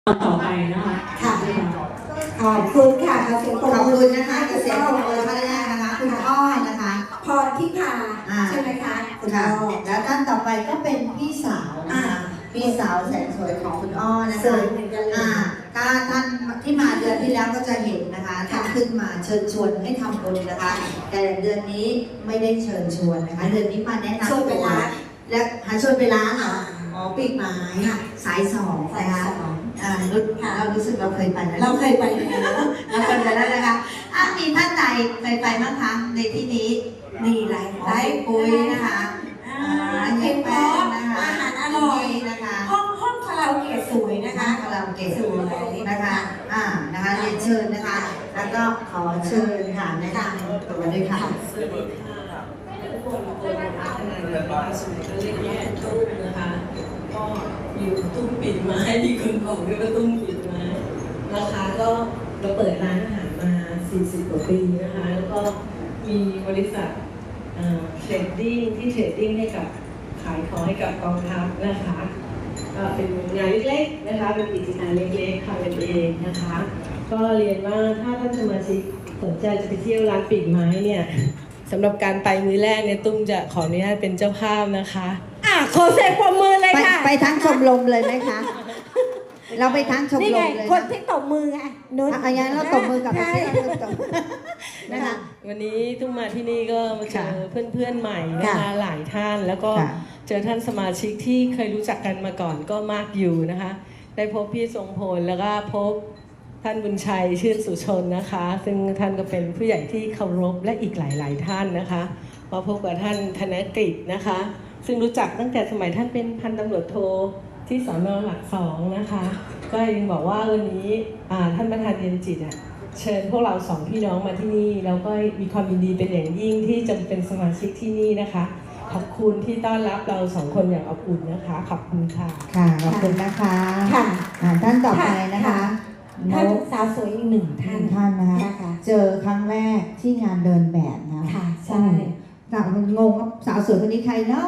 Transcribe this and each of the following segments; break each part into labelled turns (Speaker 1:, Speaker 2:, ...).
Speaker 1: ต่อไปนะคะ
Speaker 2: ค่ะขอบคุณค่ะขอบคุณนะคะเกษตรกรท่านแรกนะคะคุณอ้อนะคะพรทิพาใช่ไหมคะคุณอ้อแล้วท่านต่อไปก็เป็นพี่สาวนะคะพี่สาวแสนสวยของคุณอ้อนะคะถ้าท่านที่มาเดือนที่แล้วก็จะเห็นนะคะท่านขึ้นมาเชิญชวนให้ทำบุญนะคะแต่เดือนนี้ไม่ได้เชิญชวนนะคะเดือนนี้มาแนะนำตัวและหาชวนไปร้านเหรอปีกไม้สายสองนะคะเรารู้สึกเราเคยไปแล้วเราเคยไปแล้วนะคะมีท่านใดเคยไปบ้างคะในที่นี้นี่ไลฟ์ปุ้ยนะคะเย็นแป้งนะคะอาหารอร่อยนะคะห้องคาราโอเกะสวยนะคะคาราโอเกะสวยนะคะนะคะเรียนเชิญนะคะแล้วก็ขอเชิญค่ะแนะนำตัวด้วยค่ะ
Speaker 1: สวัสดีค่ะทุกคนตัวนะคะทนายนะคะสมัยก็เรียกว่าตุ้มนะคะก็อยู่ตุ้มปิดไม้ที่คนบอกด้วยว่าตุ้มปิดไม้ราคาก็เราเปิดร้านอาหารมา40 กว่าปีนะคะแล้วก็มีบริษัทเทรดดิ้งที่เทรดดิ้งให้กับขายของให้กับกองทัพนะคะเป็นงานเล็กๆนะคะเป็นกิจการเล็กๆทำกันเองนะคะก็เรียนว่าถ้าท่านสมาชิกสนใจจะไปเที่ยวร้านปีกไม้เนี่ยสำหรับการไปมื้อแรกเนี่ยตุ้มจะขออนุญาตเป็นเจ้าภาพนะคะ
Speaker 2: ขอเสียงปรบมือเลยค่ะไปทั้งชมรมเลยไหมคะเราไปทั้งชมรมเลยคนที่ตบมือไงนุชอย่างนั้นเราตบมือกับพี่
Speaker 1: นะคะวันนี้ตุ้มมาที่นี่ก็มาเจอเพื่อนๆใหม่นะคะหลายท่านแล้วก็เจอท่านสมาชิกที่เคยรู้จักกันมาก่อนก็มากอยู่นะคะได้พบพี่ทรงพลแล้วก็พบท่านบุญชัยชื่นสุชนนะคะซึ่งท่านก็เป็นผู้ใหญ่ที่เคารพและอีกหลายๆท่านนะคะมาพบกับท่านธนกฤษนะคะซึ่งรู้จักตั้งแต่สมัยท่านเป็นพันตำรวจโทที่สน.หลัก 2นะคะก็ยังบอกว่าวันนี้ท่านประธานเย็นจิตเชิญพวกเรา2 พี่น้องมาที่นี่แล้วก็มีความยินดีเป็นอย่างยิ่งที่จะเป็นสมาชิกที่นี่นะคะขอบคุณที่ต้อนรับเรา2 คนอย่างอบอุ่นนะคะขอบคุณค่ะ
Speaker 2: ค่ะขอบคุณนะคะค่ะท่านต่อไปนะคะท่านสาวสวยอีก1 ท่านนะคะเจอครั้งแรกที่งานเดินแบบนะค่ะใช่งงสาวสวยคนนี้ใครเนาะ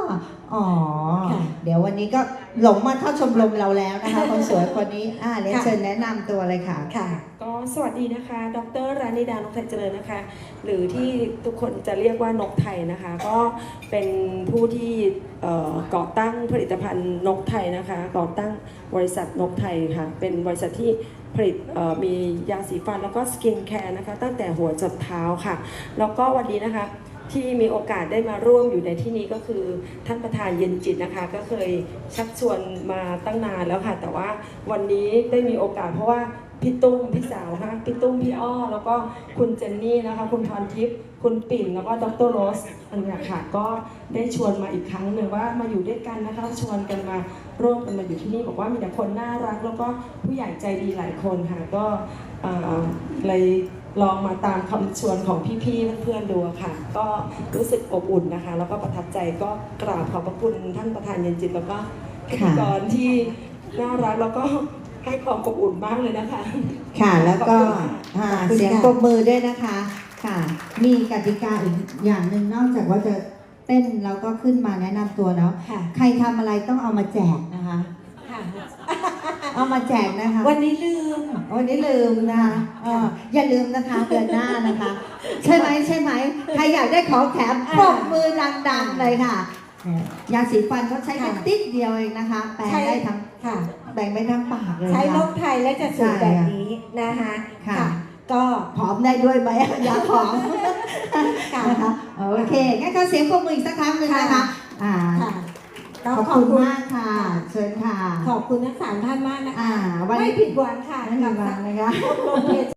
Speaker 2: เดี๋ยววันนี้ก็หลงมาเข้าชมรมเราแล้วนะคะคนสวยคนนี้เรียนเชิญแนะนำตัวเลยค่ะ
Speaker 3: ก็สวัสดีนะคะดร.รานิดานกไทยเจริญนะคะหรือที่ทุกคนจะเรียกว่านกไทยนะคะก็เป็นผู้ที่ก่อตั้งผลิตภัณฑ์นกไทยนะคะก่อตั้งบริษัทนกไทยค่ะเป็นบริษัทที่ผลิตมียาสีฟันแล้วก็สกินแคร์นะคะตั้งแต่หัวจรดเท้าค่ะแล้วก็วันนี้นะคะที่มีโอกาสได้มาร่วมอยู่ในที่นี้ก็คือท่านประธานเย็นจิตนะคะก็เคยชักชวนมาตั้งนานแล้วค่ะแต่ว่าวันนี้ได้มีโอกาสเพราะว่าพี่ตุ้มพี่สาวค่ะพี่ตุ้มพี่อ้อแล้วก็คุณเจนนี่นะคะคุณพรทิพย์คุณปิ่นแล้วก็ดร.โรสอันนี้ค่ะก็ได้ชวนมาอีกครั้งหนึ่งว่ามาอยู่ด้วยกันนะคะชวนกันมาร่วมกันมาอยู่ที่นี่บอกว่ามีแต่คนน่ารักแล้วก็ผู้ใหญ่ใจดีหลายคนค่ะก็เลยลองมาตามคำชวนของพี่ๆเพื่อนๆดูค่ะก็รู้สึกอบอุ่นนะคะแล้วก็ประทับใจก็กราบขอบพระคุณท่านประธานเย็นจิตแล้วก็พิธีกรที่น่ารักแล้วก็ให้ความอบอุ่นมากเลยนะคะ
Speaker 2: ค่ะแล้วก็เสียงปรบมือด้วยนะคะค่ะมีกติกาอีกอย่างหนึ่งนอกจากว่าจะเต้นแล้วก็ขึ้นมาแนะนำตัวแล้วใครทำอะไรต้องเอามาแจกนะคะเอามาแจกนะคะวันนี้ลืมนะคะอย่าลืมนะคะเดือนหน้านะคะใช่ไหมใครอยากได้ของแถมปรบมือดังๆเลยค่ะยาสีฟันเขาใช้แค่ติดเดียวเองนะคะแบ่งได้ทั้งแบ่งไปทั้งปากเลยใช้นกไทยและจะสวยแบบนี้นะคะค่ะก็ผอมได้ด้วยไหมยาผอมนะคะโอเคงั้นก็เสียงปรบมืออีกสักครั้งหนึ่งนะคะขอบคุณมากค่ะเชิญค่ะขอบคุณทั้ง3 ท่านมากนะคะไม่ผิดหวังค่ะไม่ผิดหวังนะคะ